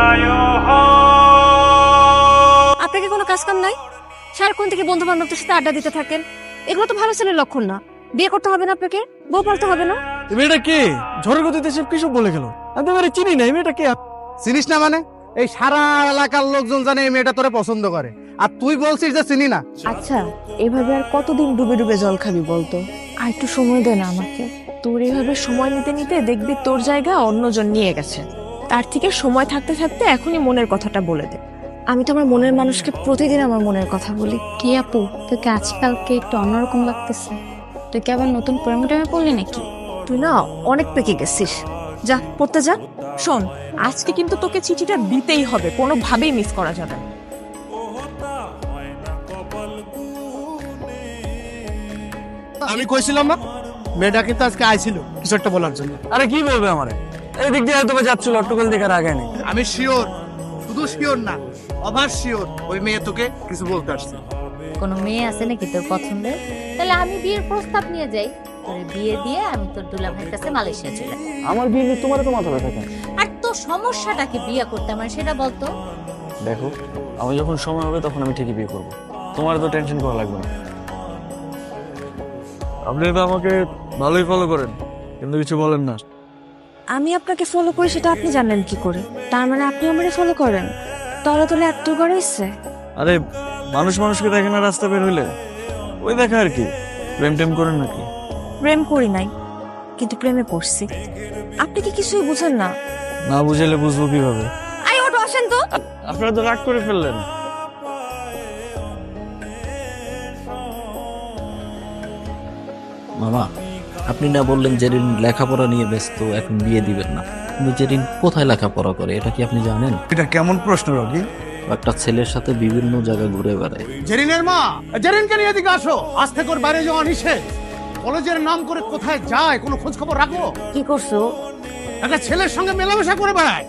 আপনাকে কোনো কাজ কাম নাই? সারাক্ষণ থেকে বন্ধু বান্ধবদের সাথে আড্ডা দিতে থাকেন, এগুলো তো ভালো ছেলের লক্ষণ না। বিয়ে করতে হবে না আপনাকে, বউ পালতে হবে না। এই মেয়েটা কে? ঝড়ের গতিতে সব কিসব বলে গেল। আমি তো এবারে চিনি না। এই মেয়েটা কে? চিনিস না মানে? এই সারা এলাকার লোকজন জানে এই মেয়েটা তোরে পছন্দ করে, আর তুই বলছিস যে চিনি না। আচ্ছা, এভাবে আর কতদিন ডুবে ডুবে জল খাবি বলতো? আর একটু সময় দে না আমাকে। তোর এইভাবে সময় নিতে নিতে দেখবি তোর জায়গা অন্যজন নিয়ে গেছে। তার থেকে সময় থাকতে থাকতে এখনই মনের কথাটা বলে দে। আমি তো আমার মনের মানুষকে প্রতিদিন আমার মনের কথা বলি। কি আপু, তোকে আজকালকে একটু অন্যরকম লাগতেছে। তুই কি আবার নতুন প্রেমে টেমে পড়লি নাকি? তুই না অনেক পেকে গেছিস। যা পড়তে যা। শোন, আজকে কিন্তু তোকে চিঠিটা দিতেই হবে, কোনোভাবেই মিস করা যাবে না। আমি কইছিলাম না মেয়েটা কিন্তু আজকে আইছিল কিছু একটা বলার জন্য। আরে কি বলবে আমারে? এই দিক দিয়ে হয়তো যাচ্ছিল, অট্টকল দেখার আগে নেই। আমি শিওর, শুধু শিওর না, অভার শিওর ওই মেয়ে তোকে কিছু বলতে আসছে। কোনো মেয়ে আছে নাকি তোর পছন্দের? তাহলে আমি বিয়ের প্রস্তাব নিয়ে যাই, তোর বিয়ে দিয়ে আমি তোর দুলা ভাইয়ের কাছে মালয়েশিয়া চলে যাই। আমার বিয়ে নিয়ে তোমার তো মাথা ব্যথা কেন? আর তোর সমস্যাটাকে বিয়ে করতে আমার সেটা বলতো। দেখো, আমি যখন সময় হবে তখন আমি ঠিকই বিয়ে করবো। তোমার তো টেনশন করা লাগবে না। আপনি তো আমাকে ভালোই ফলো করেন, কিন্তু কিছু বলেন না। আমি আপনাকে ফলো করি সেটা আপনি জানেন কি করে? তার মানে আপনি আমারে ফলো করেন? তলে তলে এত করে ইচ্ছে। আরে মানুষ মানুষকে দেখে না রাস্তা বের হইলে, ওই দেখা আর কি। প্রেম টেম করেন নাকি? প্রেম করি নাই, কিন্তু প্রেমে পড়ছি। আপনি কি কিছুই বুঝেন না? না বুঝাইলে বুঝবো কিভাবে? আই ওটো আসেন তো। আপনারা তো রাগ করে ফেললেন। মামা, আপনি না বললেন জেরিন লেখাপড়া নিয়ে ব্যস্ত, এখন বিয়ে দিবেন না। কিন্তু জেরিন কোথায় লেখাপড়া করে এটা কি আপনি জানেন? এটা কেমন প্রশ্ন রকি? একটা ছেলের সাথে বিভিন্ন জায়গায় ঘুরে বেড়ায়। জেরিনের মা, জেরিনকে নিয়ে এদিকে আসো। আজ থেকে ওর বাইরে যাওয়া নিষেধ। কলেজের নাম করে কোথায় যায় কোনো খোঁজ খবর রাখো? কি করছো? একটা ছেলের সঙ্গে মেলামেশা করে বেড়ায়।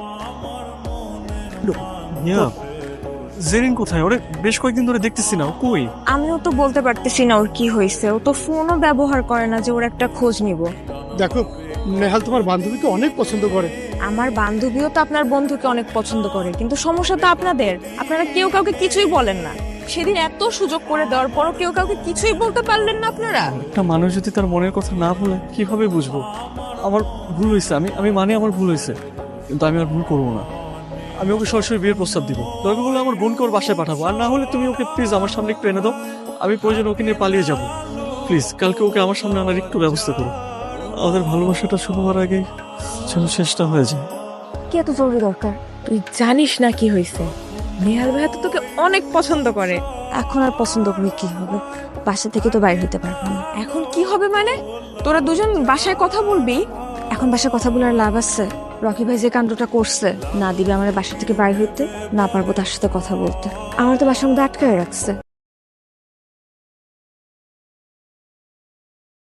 জেরিন কোথায়? ওরে বেশ কয়েকদিন ধরে দেখতেছি না, ও কই? আমিও তো বলতে পারতেছি না ওর কি হয়েছে। ও তো ফোনও ব্যবহার করে না যে ওর একটা খোঁজ নিব। দেখো, নেহাল তোমার বান্ধবীকে অনেক পছন্দ করে। আমার বান্ধবীও তো আপনার বন্ধুকে অনেক পছন্দ করে, কিন্তু সমস্যা তো আপনাদের। আপনারা কেউ কাউকে কিছুই বলেন না। সেদিন এত সুযোগ করে দেওয়ার পরও কেউ কাউকে কিছুই বলতে পারলেন না আপনারা। একটা মানুষ যদি তার মনের কথা না বলে কিভাবে বুঝবো? আমার ভুল হয়েছে, আমি মানে আমার ভুল হয়েছে, কিন্তু আমি আর ভুল করবো না। আমি ওকে সরাসরি বিয়ের প্রস্তাব দিব। দরকার হলে আমার বোনকে ওর বাসায় পাঠাবো, আর না হলে তুমি ওকে প্লিজ আমার সামনে একটু এনে দাও। আমি প্রয়োজন ওকে নিয়ে পালিয়ে যাব। প্লিজ কালকে ওকে আমার সামনে আনার একটু ব্যবস্থা করো। আমাদের ভালোবাসাটা শুরু হওয়ার আগে যেন শেষটা হয়ে যায়। কি এত জরুরি দরকার? তুই জানিস না কি হয়েছে? নেহাল ভাইয়া তো তোকে অনেক পছন্দ করে। এখন আর পছন্দ করে কি হবে? বাসা থেকে তো বাইরে হতে পারবো না। এখন কি হবে মানে? তোরা দুজন বাসায় কথা বলবি? এখন বাসায় কথা বলার লাভ আছে? রকি ভাই যে কাণ্ডটা করছে, না দিবে আমার বাসা থেকে বাইরে হইতে, না পারবো তার সাথে কথা বলতে। আমার তো বাসার মধ্যে আটকায় রাখছে।